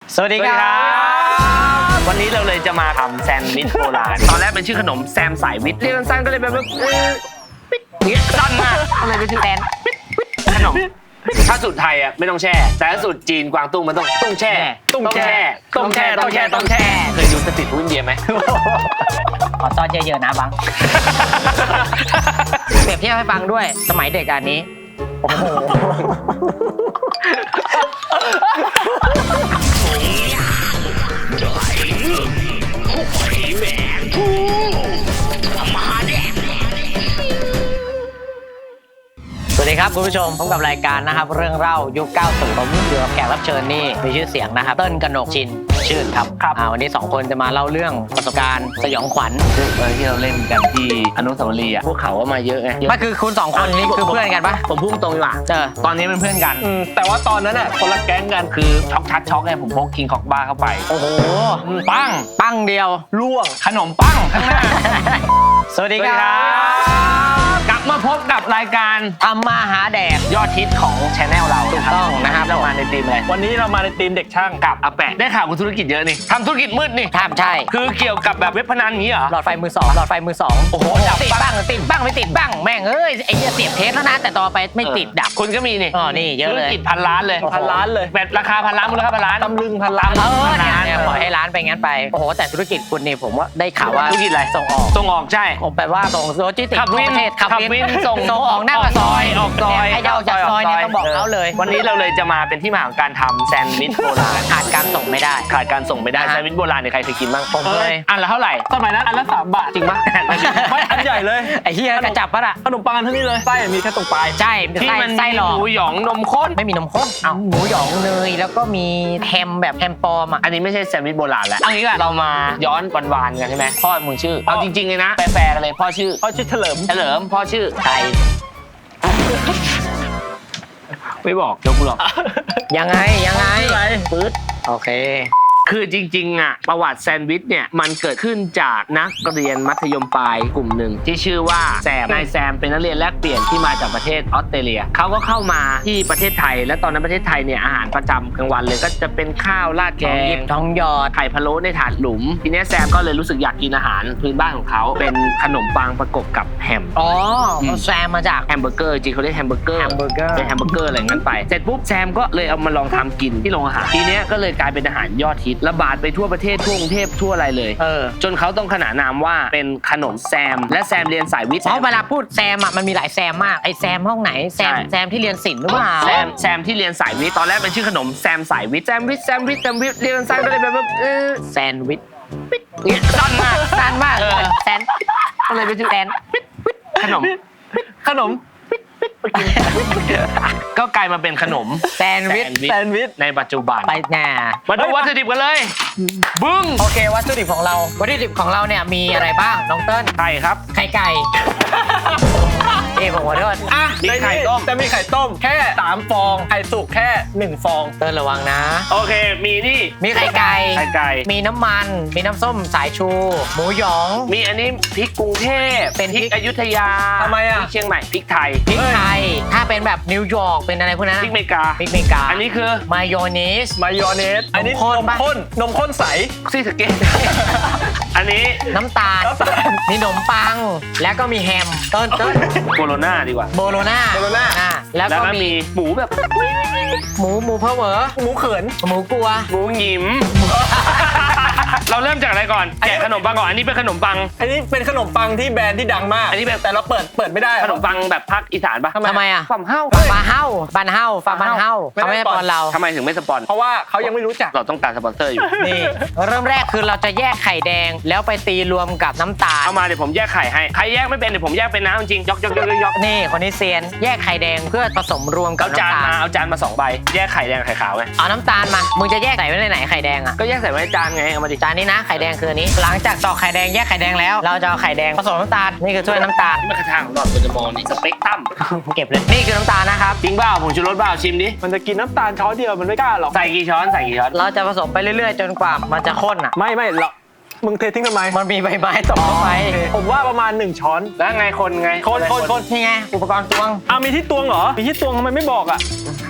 สวัสดีครับวันนี้เราเลยจะมาทำแซนด์วิชโบราณตอนแรกเป็นชื่อขนมแซมสายวิทย์เรียกสั้นๆก็เลยแบบปิ๊ดเงี้ยสั้นมากก็เลยเป็นชื่อแซนขนมถ้าสูตรไทยอ่ะไม่ต้องแช่แต่ถ้าสูตรจีนกวางตุ้งมันต้องแช่ต้องแช่เคยดูสตรีทฟู้ดอินเดียไหมขอซอสเยอะๆนะบัง เปรียบเทียบให้ฟังด้วยสมัยเด็กอันนี้โอ้โหสวัสดีครับคุณผู้ชมพบกับรายการนะครับเรื่องเล่ายุค 90 ผมอยู่กับแขกรับเชิญนี่มีชื่อเสียงนะครับเติ้ลกนกชินชื่นครับวันนี้2คนจะมาเล่าเรื่องประสบการณ์สยองขวัญที่เราเล่นกันที่อนุสาวรีย์อ่ะพวกเขาก็มาเยอะไงไม่คือคุณ2คนนี้คือเพื่อนกันปะผมพุ่งตรงดีกว่าตอนนี้เป็นเพื่อนกันแต่ว่าตอนนั้นอ่ะคนละแก๊งกันคือช็อกชัดช็อกไงผมพกคิงคอกบ้าเข้าไปโอ้โหปั้งเดียวล่วงขนมปั้งข้างหน้าสวัสดีครับกลับมาพบกับรายการทำมาหาแดกยอดฮิตของช anel เราถูกต้องนะครับเรามาในทีมอะไรวันนี้เรามาในทีมเด็กช่างกับอาแปะได้ข่าวคุณธุรกิจเยอะนี่ทำธุรกิจมืดนี่ใช่คือเกี่ยวกับแบบเว็บพนันนี้เหรอหลอดไฟมือสองโอ้โหติดบ้างไม่ติดบ้างแม่งเอ้ยไอ้เนี่ยเสียบเทสแล้วนะแต่ต่อไปไม่ติดดับคุณก็มีนี่นี่เยอะเลยธุรกิจพันล้านเลยแบบราคาพันล้านมูลค่าพันล้านตำลึงพันล้านเนี่ยปล่อยให้ล้านไปงั้นไปโอ้โหแต่ธุรกิจคุณนี่ผมว่าได้ข่าวว่าธุรกิจอะไรส่งออกใช่ผมแปลว่าส่งโลจิสติกส์ขับวินส่งออกหน้าปากซอยออกซอยไอ้เจ้าจากซอยเนี่ยต้องบอกเขาเลยวันนี้เราเลยจะมาเป็นที่มาของการทำแซนด์วิชโบราณขาดการส่งไม่ได้แซนด์วิชโบราณเนี่ยใครเคยกินบ้างผมเลยอันละเท่าไหร่สมัยนั้นอันละ3 บาทจริงปะไม่อันใหญ่เลยไอ้เหี้ยกระจับปะล่ะขนมปังเท่านี้เลยไส้มีแค่ตรงปลายใช่ที่มันไส้หลอกหมูหยองนมข้นไม่มีนมข้นหมูหยองเนยแล้วก็มีแฮมแบบแฮมปลอมอันนี้ไม่ใช่แซนด์วิชโบราณแล้วเอางี้ก่อนเรามาย้อนวานๆกันใช่ไหมพ่อมึงชื่อเอาจริงๆเลยนะแฟร์กันเลยพ่อชื่อเฉลิมพ่อชื่อไทยไม่บอกยกกูหรอกยังไงปื๊ดโอเคคือจริงๆอ่ะประวัติแซนด์วิชเนี่ยมันเกิดขึ้นจากนักเรียนมัธยมปลายกลุ่มหนึ่งที่ชื่อว่าแซมนายแซมเป็นนักเรียนแลกเปลี่ยนที่มาจากประเทศออสเตรเลียเขาก็เข้ามาที่ประเทศไทยและตอนนั้นประเทศไทยเนี่ยอาหารประจำกลางวันเลยก็จะเป็นข้าวราดแกงท้องหยอดไข่พะโล้ในถาดหลุมทีนี้แซมก็เลยรู้สึกอยากกินอาหารพื้นบ้านของเขาเป็นขนมปังประกบกับแฮมแซมมาจากแฮมเบอร์เกอร์จริงเขาเรียกแฮมเบอร์เกอร์เป็นแฮมเบอร์เกอร์อะไรงั้นไปเสร็จปุ๊บแซมก็เลยเอามาลองทำกินที่โรงอาหารทีนี้ก็เลยกลายเป็นอาหารยอดฮิตระบาดไปทั่วประเทศทั่วกรุงเทพทั่วอะไรเลยจนเขาต้องขนานนามว่าเป็นขนมแซมและแซมเรียนสายวิทย์เพราะเวลาพูดแซมมันมีหลายแซมมากไอแซมห้องไหนแซมที่เรียนศิลป์หรือเปล่าแซมที่เรียนสายวิทย์ตอนแรกเป็นชื่อขนมแซมสายวิทย์แซมวิทเรียนสั้นก็เลยแบบแซนวิทเนี่ยสั้นมากแซนก็เลยเป็นชื่อแซนขนมก็กลายมาเป็นขนมแซนด์วิชในปัจจุบันไปแน่มาดูวัตถุดิบกันเลยบึ้งโอเควัตถุดิบของเราเนี่ยมีอะไรบ้างน้องเติ้ลไข่ครับไข่ไก่ผมขอโทษมีไข่ต้มแต่มีไข่ต้มแค่3 ฟองไข่สุกแค่1 ฟองเติ้ลระวังนะโอเคมีไข่ไก่มีน้ำมันมีน้ำส้มสายชูหมูหยองมีอันนี้พริกกรุงเทพเป็นพริกอยุธยาทำไมพริกเชียงใหม่พริกไทยถ้าเป็นแบบนิวยอร์กเป็นอะไรพวกนั้นพริกเมกาอันนี้คือมายองเนสอันนี้นมข้นใสซี่สเกตอันนี้น้ำตาลมีขนมปังแล้วก็มีแฮมเติ้ลโบโลน่าดีกว่าโบโลน่าแล้วก็มีหมูแบบหมูเพอเวอร์หมูเขินหมูกลัวหมูหยิมเราเริ่มจากอะไรก่อนแกะขนมปังก่อนอันนี้เป็นขนมปังที่แบรนด์ที่ดังมากอันนี้แบบแต่เราเปิดไม่ได้ขนมปังแบบภาคอีสานปะทำไมอ่ะฝั่งเฮ้าบ้านเฮ้าเขาไม่สปอนเราทำไมถึงไม่สปอนเพราะว่าเขายังไม่รู้จักเราต้องการสปอนเซอร์อยู่นี่เริ่มแรกคือเราจะแยกไข่แดงแล้วไปตีรวมกับน้ำตาลเอามาเดี๋ยวผมแยกไข่ให้ใครแยกไม่เป็นเดี๋ยวผมแยกเป็นน้ำจริงยกนี่คนนี้เซียนแยกไข่แดงเพื่อผสมรวมกับน้ำตาลเอาจานมา2 ใบแยกไข่แดงไข่ขาวไงเอาน้ำตาลมามึงจะแยกใส่ไว้ในไหนไข่แดงอ่ะก็แยกใส่ไว้ในจานไงเอามาดิจานนี้นะไข่แดงคืออันนี้หลังจากตอกไข่แดงแยกไข่แดงแล้วเราจะเอาไข่แดงผสมน้ำตาลนี่คือถ้วยน้ำตาลนี่มันกระทางของหลอดมันจะมองนี่สเปกตัมเก็บเลยนี่คือน้ำตาลนะครับจริงเปล่าผมชูรสเปล่าชิมดิมันจะกินน้ำตาลช้อนเดียวมันไม่กล้าหรอกใส่กี่ช้อนเราจะผสมไปเรื่อยๆจนกว่ามันจะข้นอ่ะไม่เรามึงเททิ้งทำไมมันมีใบไม้ตกเข้าไปผมว่าประมาณ1 ช้อนแล้วไงคนนี่ไงอุปกรณ์ตวงมีที่ตวงเหรอมีที่ตวงทำไมไม่บอกอ่ะ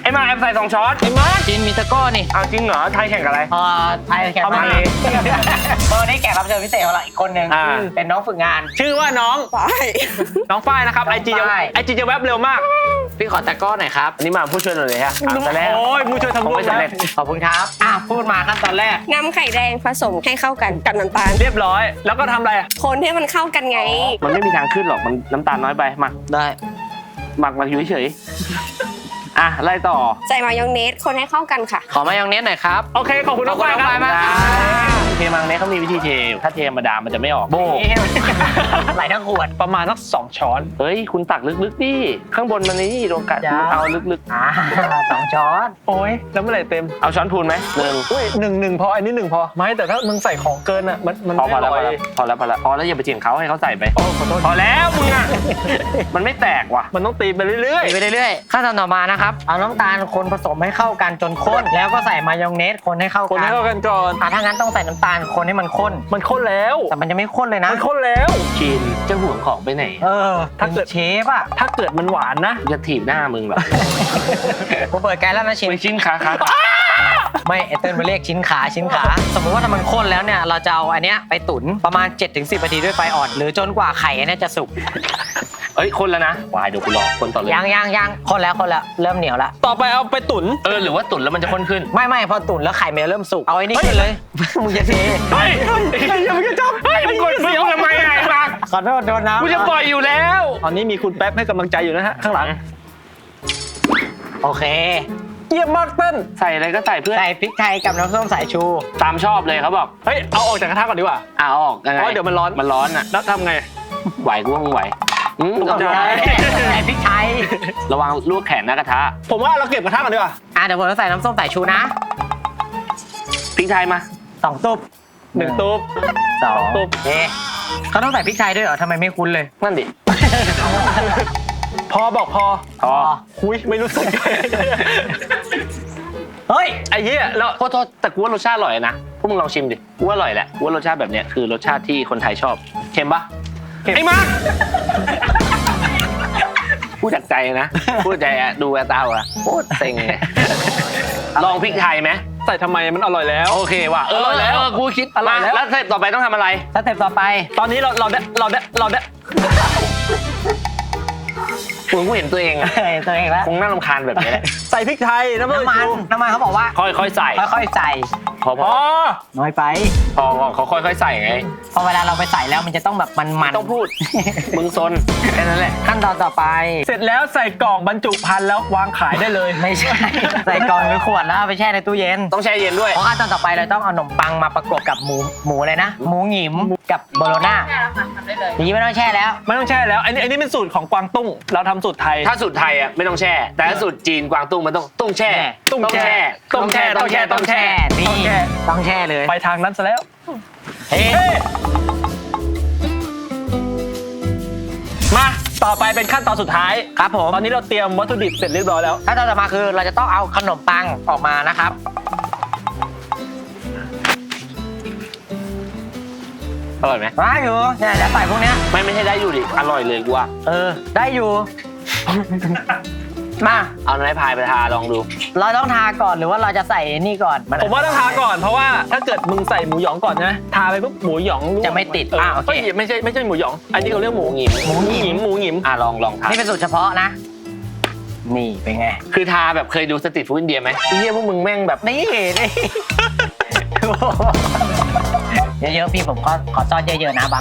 ไอ้มาแอมใส่2 ช้อนไอ้มาร์คจินมีตะก้อนี่เอาจริงเหรอไทยแข่งกับอะไรไทยแขกเอามามาเลยนี่แขกรับเชิญพิเศษของเราอีกคนนึงอ่าเป็นน้องฝึกงานชื่อว่าน้องฝ้ายนะครับไอจีน้องฝ้ายจะแวบเร็วมากพี่ขอตะก้อหน่อยครับอันนี้มาผู้ช่วยเราเลยฮะตอนแรกโอ้ยผู้ช่วยทำผมร่วไม่มสำเร็จขอบคุณครับพูดมาขั้นตอนแรกนำไข่แดงผสมให้เข้ากันกับน้ำตาลเรียบร้อย แล้วก็ทำอะไรคนให้มันเข้ากันไงมันไม่มีทางขึ้นหรอกมันน้ำตาลน้อยไปหมักได้อยู่เฉยอ่ะไล่ต่อใส่มายองเนสคนให้เข้ากันค่ะขอมายองเนสหน่อยครับโอเคขอบคุณน้องฝ้ายครับขอบคุณน้องฝ้ายมากเทมังเนี่ยเขามีวิธีเทถ้าเทธรรมดามันจะไม่ออกโบไหลทั้งขวดประมาณสัก2 ช้อนเฮ้ยคุณตักลึกๆดิข้างบนมันนี่โดนกัดจ้าเอาลึก 2 ช้อนโอ้ยแล้วเมื่อไหร่เต็มๆเอาช้อนพูนไหมหนึ่งอุ้ยหนึ่งพออันนี้1 พอไม่แต่ถ้ามึงใส่ของเกินอ่ะมันพอไม่แล้วอร่อยพอแล้วอย่าไปเถียงเขาให้เขาใส่ไปโอ้ขอโทษพอแล้วมึงอ่ะ มันไม่แตกว่ะมันต้องตีไปเรื่อยไปเรื่อยๆขั้นตอนต่อมานะครับเอาน้ำตาลคนผสมให้เข้ากันจนข้นแล้วก็ใส่มายองเนสคนให้เข้าๆคนกัให้นเข้ากันก่อนถ้างั้นต้องใส่น้ำตาลคนให้มันข้นมันข้นแล้วแต่มันจะไม่ข้นเลยนะมันข้นแล้วชินจะห่วงของไปไหนถ้าเกิดเชฟอ่ะถ้าเกิดมันหวานนะจะถีบหน้ามึงแบบกูเปิดไกด์แล้วนะชินไปชิ้นขาไม่ไอเติ้ลมาเรียกชิ้นขาสมมุติว่าถ้ามันข้นแล้วเนี่ยเราจะเอาอันเนี้ยไปตุ๋นประมาณ 7-10 นาทีด้วยไฟอ่อนหรือจนกว่าไข่อันเนี้ยจะสุกเอ้ยคนแล้วนะวายเดี๋ยวกูรอคนต่อเลยยังข้นแล้วเริ่มเหนียวแล้วต่อไปเอาไปตุ๋นหรือว่าตุ๋นแล้วมันจะข้นขึ้นไม่พอตุ๋นแล้วไข่มันจะเริ่มสุกเอาไอ้นี่ขึ้นเลย มึงจะเทเฮ้ยอย่ามึงจะจับเฮ้ยมึงกดเสียวทำไมไงมาขอโทษโดนน้ำกูจะปล่อยอยู่แล้วตอนนี้มีคุณแป๊บให้กำลังใจอยู่นะฮะข้างหลังโอเคเยี่ยมมากเต้นใส่อะไรก็ใส่เพื่อนใส่พริกไทยกับน้ำส้มสายชูตามชอบเลยเขาบอกเฮ้ยเอาออกจากกระทะก่อนดีกว่าเอาออกยังไงเพราะเดี๋ยวมันร้อนมันร้อนอ่ะแล้วทำไงไหวกูว่ามึงไหวตกใจใส่พริกไทยระวังลวกแขนหน้ากระทะผมว่าเราเก็บกระทะก่อนดีกว่าเดี๋ยวผมจะใส่น้ำส้มสายชูนะพริกไทยมา 2 ตุ๊บ 1 ตุ๊บ 2 ตุ๊บเอ๊ะเขาต้องใส่พริกไทยด้วยเหรอทำไมไม่คุ้นเลยนั่นดิพอบอกพอพอคุยไม่รู้สึกเฮ้ยไอ้เหี้ยแล้วโทษแต่กูว่ารสชาติอร่อยนะพวกมึงลองชิมดิกูว่าอร่อยแหละกูว่ารสชาติแบบเนี้ยคือรสชาติที่คนไทยชอบเค็มปะไอ้มาร์คพูดจากใจนะพูดจากใจอะดูแววตาอะโคตรเซ็งเลยลองพริกไทยไหมใส่ทำไมมันอร่อยแล้วโอเคว่ะอร่อยแล้วกูคิดอร่อยแล้วแล้วสเต็ปต่อไปต้องทำอะไรสเต็ปต่อไปตอนนี้เราได้กูเห็นตัวเองอะตัวเองแล้วคงน่ารำคาญแบบนี้แหละใส่พริกไทยน้ำมันน้ำมันเขาบอกว่าค่อยๆใส่ค่อยๆใส่พอพอน้อยไปเขาค่อยๆใส่ไงพอเวลาเราไปใส่แล้วมันจะต้องแบบมันๆต้องพูดมึงซนแค่นั้นแหละขั้นตอนต่อไปเสร็จแล้วใส่กล่องบรรจุภัณฑ์แล้ววางขายได้เลยไม่ใช่ ใส่กล่องหรือขวดแล้วเอาไปแช่ในตู้เย็นต้องแช่เย็นด้วยเพราะขั้นตอนต่อไปเราต้องเอาขนมปังมาประกบกับหมูเลยนะ หมูหยิมกับโบโลน่าอย่างนี้ไม่ต้องแช่แล้วไม่ต้องแช่แล้วอันนี้เป็นสูตรของกวางตุ้งเราทำสูตรไทยถ้าสูตรไทยอ่ะไม่ต้องแช่ แต่ถ้าสูตรจีนกวางตุ้งมันต้องแช่ต้องแช่ต้องแช่ต้องแช่ต้องแช่นี่ต้องแช่ต้องแช่เลยไปทางนั้นซะแล้วเฮ้เฮ้มาต่อไปเป็นขั้นตอนสุดท้ายครับผมตอนนี้เราเตรียมวัตถุดิบเสร็จเรียบร้อยแล้วขั้นตอนต่อมาคือเราจะต้องเอาขนมปังออกมานะครับอร่อยไหมมาอยู่เนี่ยจะใส่พวกเนี้ยไม่ใช่ได้อยู่ดิอร่อยเลยกูว่าได้อยู่ มาเอาไม้พายไปทาลองดูเราต้องทาก่อนหรือว่าเราจะใส่นี่ก่อนผมว่าต้องทาก่อนเพราะว่าถ้าเกิดมึงใส่หมูหยองก่อนนะทาไปปุ๊บหมูหยองร่วงจะไม่ติดโอเคเฮ้ยไม่ใช่หมูหยอง อันนี้เขาเรียกหมูหงิมหมูหงิมลองทานี่เป็นสูตรเฉพาะนะ นี่เป็นไงคือทาแบบเคยดูสตรีทฟู้ดอินเดียไหมไอ้เหี้ยพวกมึงแม่งแบบนี่นี่เยอะๆพี่ผมขอซ่อนเยอะๆนะบัง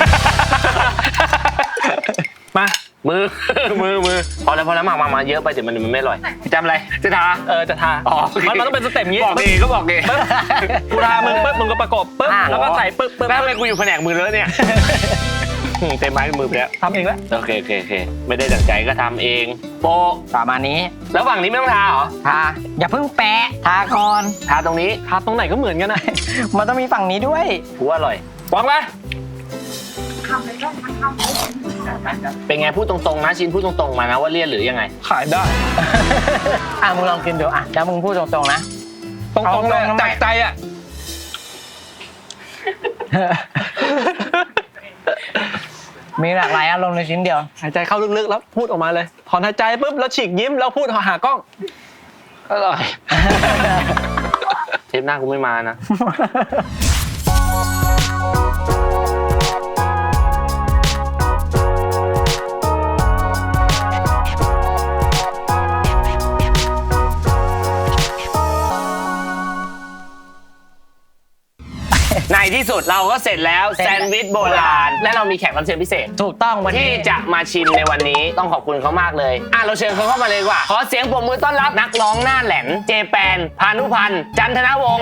มามือ พอแล้วมาเยอะไปเดี๋ยวมันไม่อร่อยจำอะไรจะทาจะทาอ๋อมันต้องเป็นสเต็ปงี้บอกดีก็บอกดีปึ๊บกูทามึงปุ๊บมึงก็ประกบปึ๊บแล้วก็ใส่ปึ๊บแล้วทำไมกูอยู่แผนกมือแล้วเนี่ยเต็มไม้มือไปแล้วทำเองแล้วโอเคไม่ได้ดั่งใจก็ทำเองโปะประมาณนี้แล้วฝั่งนี้ไม่ต้องทาเหรอทาอย่าเพิ่งแปะทาก่อนทาตรงนี้ทาตรงไหนก็เหมือนกันนะมันต้องมีฝั่งนี้ด้วยกูว่าอร่อยวางไปเป็นไงพูดตรงๆนะชินพูดตรงๆมานะว่าเลี่ยนหรือยังไงขายได้มึงลองกินดูแล้วมึงพูดตรงๆนะตรงๆเลยเอาตรงๆจากใจอ่ะมีหลากหลายอารมณ์ในชิ้นเดียวหายใจเข้าลึกๆแล้วพูดออกมาเลยถอนหายใจปุ๊บแล้วฉีกยิ้มแล้วพูดหากล้องอร่อยเทปหน้ากูไม่มานะในที่สุดเราก็เสร็จแล้วแซนด์วิชโบราณและเรามีแขกรับเชิญพิเศษถูกต้องวันที่นี้จะมาชิมในวันนี้ต้องขอบคุณเขามากเลยเราเชิญเขาเข้ามาเลยดีกว่าขอเสียงปรบมือต้อนรับนักร้องหน้าแหลมเจแปนพานุพันธ์จันทนวงศ์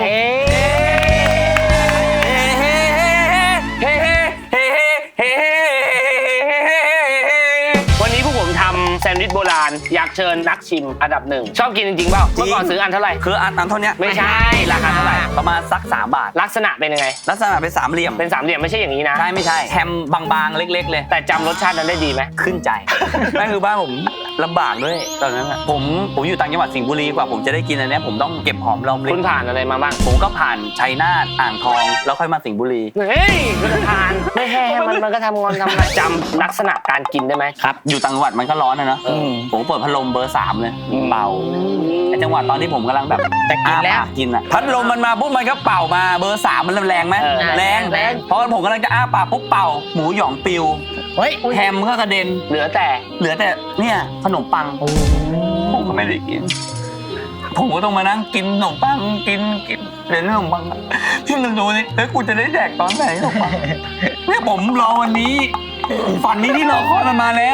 วันนี้พวกผมทำแซนด์วิชโบราณอยากเชิญนักชิมอันดับหนึ่งชอบกินจริงๆเปล่าเมื่อก่อนซื้ออันเท่าไหร่คืออันเท่านี้ไม่ใช่ราคาเท่าไหร่ประมาณสัก3 บาทลักษณะเป็นยังไงลักษณะเป็นสามเหลี่ยมเป็นสามเหลี่ยมไม่ใช่อย่างนี้นะใช่ไม่ใช่แฮมบางๆเล็กๆเลยแต่จำรสชาตินั้นได้ดีไหมขึ้นใจ แม่คือบ้านผมลำบากด้วยตอนนั้นผมอยู่ต่างจังหวัดสิงห์บุรีกว่าผมจะได้กินอันนี้ผมต้องเก็บหอมรอมริบคุณผ่านอะไรมาบ้างผมก็ผ่านชัยนาทอ่างทองแล้วค่อยมาสิงห์บุรีเฮ้ยคุณทานไม่แห้มันก็ทำงอนทำอะไรจำลักษณะการกินได้ไหมครับอยู่ต่างจังหวัดมันก็ร้อนนะเนาะผมเปิดพัดลมเบอร์ 3เลยเป่าไอ้จังหวัดตอนที่ผมกำลังแบบจะกินแล้วกินอ่ะพัดลมมันมาปุ๊บมันก็เป่ามาเบอร์ 3มันแรงไหมแรงเพราะผมกำลังจะอ้าปากปุ๊บเป่าหมูหยองปิวเฮ้ยแฮมก็กระเด็นเหลือแต่เนี่ยขนมปังผมก็ไม่ได้กินผมก็ต้องมานั่งกินขนมปังกินเดี๋ยวขนมปังพี่นึกดูนี่แล้วกูจะได้แดกตอนไหนขนมปังเนี่ยผมรอวันนี้ฝันนี้ที่รอคอยมันมาแล้ว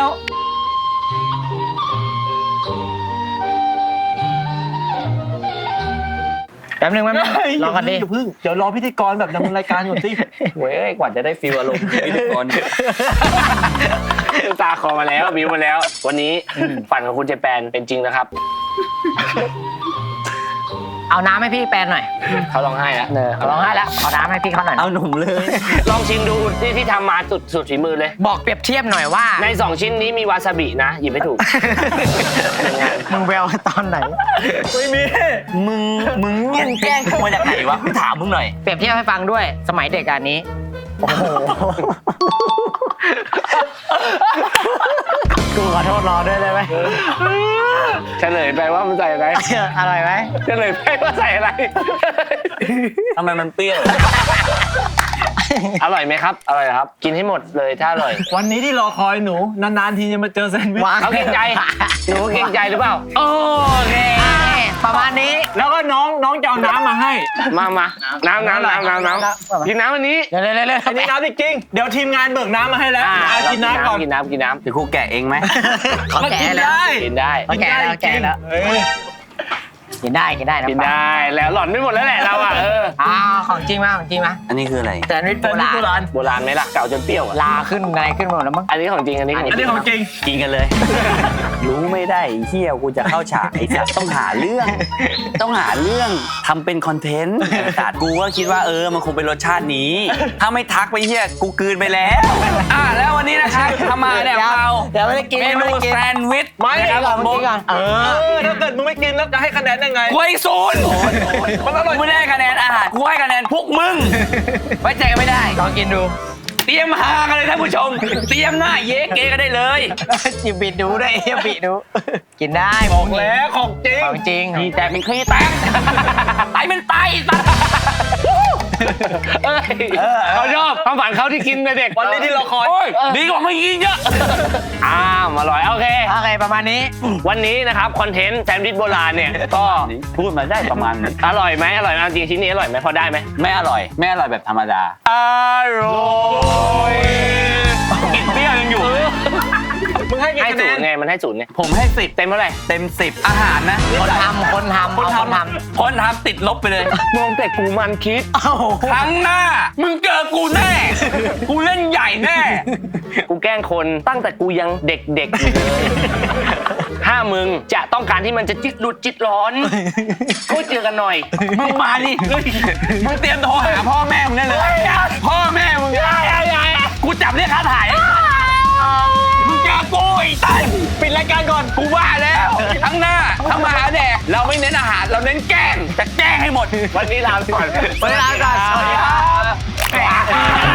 แป๊บนึงรอกันดิเดี๋ยวรอพิธีกรแบบดำเนินรายการก่อนสิเว้ยกว่าจะได้ฟีลอารมณ์พิธีกรตาคอมาแล้วบิวมาแล้ว วันนี้ฝันของคุณเจแปนเป็นจริงนะครับเอาน้ำให้พี่แปนหน่อยเขาร้องไห้แล้วเขาร้องไห้แล้วเอาน้ำให้พี่เขาหน่อยเอาหนุ่มเลยลองชิมดูที่ทำมาสุดฝีมือเลยบอกเปรียบเทียบหน่อยว่าใน2ชิ้นนี้มีวาซาบินะหยิบไม่ถูกมึงแววตอนไหนไม่มีมึงเงี้ยแกล้งเข้ามาจากไหนวะพี่ถามมึงหน่อยเปรียบเทียบให้ฟังด้วยสมัยเด็กอันนี้โอ้โหกูขอโทษรอด้วยได้ไหมเฉลยไปว่ามันใส่อะไรอร่อยไหมเฉลยไปว่าใส่อะไรทำไมมันเปรี้ยวอร่อยไหมครับอร่อยครับ กินให้หมดเลยถ้าอร่อยวันนี้ที่รอคอยหนูนานๆทีจะมาเจอแซนด์วิชเขาเกรงใจหนูเกรงใจหรือเปล่าโอเคประมาณนี้แล้วก็น้องจะเอาน้ำมาให้มาน้ำกินน้ำวันนี้เร็วอันนี้น้ำจริงๆเดี๋ยวทีมงานเบิกน้ำมาให้แล้วเอากินน้ำก่อนกินน้ำเดี๋ยวครูแกะเองไหมเขาแก่แล้วกินได้เขาแก่แล้วแก่แล้วเอ้ยกินได้นะกินได้แล้วหล่อนไม่หมดแล้วแหละเราของจริงมาของจริงมาอันนี้คืออะไรแซนด์วิชโบราณโบราณไหมล่ะเก่าจนเปรี้ยวลาขึ้นอะไรขึ้นหมดแล้วมั้งอันนี้ของจริงอันนี้ของจอันรินี้งของจริงกินกันเลย รู้ไม่ได้ไอ้เฮียกูจะเข้าฉากไอ้สัตว์ต้องหาเรื่องทำเป็นคอนเทนต์ไอ้สัตว์กูก็คิดว่ามันคงเป็นรสชาตินี้ ถ้าไม่ทักไปเฮียกูกลืนไปแล้วแล้ววันนี้นะครับทำมาเนี่ยเราเดี๋ยวไม่ได้กินเมนูแซนด์วิชไม่นะครับก่อนเมื่อกี้ก่อนถ้าเกิดมึงไม่กินแล้วจะให้คะแนนยังไงกูให้ศูนย์มันอร่อยกูไม่ได้คะแนนอาหารกูให้คะแนนพวกมึงไว้ใจกันไม่ได้ลองกินดูเตรียมหากันเลยท่านผู้ชม เตรียมหน้าเย้เก๋กันได้เลยจิบบิดดูด้วยบิดดู กินได้บอกแล้วของจริงของจริงขี้แตกเป็นขี้แตกไตเป็นไตสัตว์เขาชอบความฝันเขาที่กินในเด็กวันนี้ที่เราคอยโอ้ยดีกว่าไม่กินเยอะอร่อยโอเคประมาณนี้วันนี้นะครับคอนเทนต์แซนด์วิชโบราณเนี่ยก็พูดมาได้ประมาณนี้อร่อยไหมจริงชิ้นนี้อร่อยไหมพอได้ไหมไม่อร่อยแบบธรรมดาอร่อยกลิ่นเปรี้ยวยังอยู่มึงให้กี่ให้คะแนศูนนย์ไงมันให้ศูนย์ไงผมให้10 เต็มเท่าไหร่เต็ม10อาหารนะคนทำคนทำติดลบไปเลยมองแต่กูมันคิดครั้งหน้ามึงเจอกูแน่กูเล่นใหญ่แน่กูแกล้งคนตั้งแต่กูยังเด็กๆอยู่เลยถ้ามึงจะต้องการที่มันจะจิตหลุดจิตร้อนก็เจอกันหน่อยมึงมาดิมึงเตรียมโทรหาพ่อแม่มึงได้เลยพ่อแม่มึงกูจับเรียกค่าถ่ายมึงเจอกูไอ้ไตปิดรายการก่อนกูว่าแล้วครั้งหน้าถ้ามาหาแดกเราไม่เน้นอาหารเราเน้นแกล้งจะแกล้งให้หมดวันนี้ลาไปก่อนเวลาก่อนสวัสดีครับ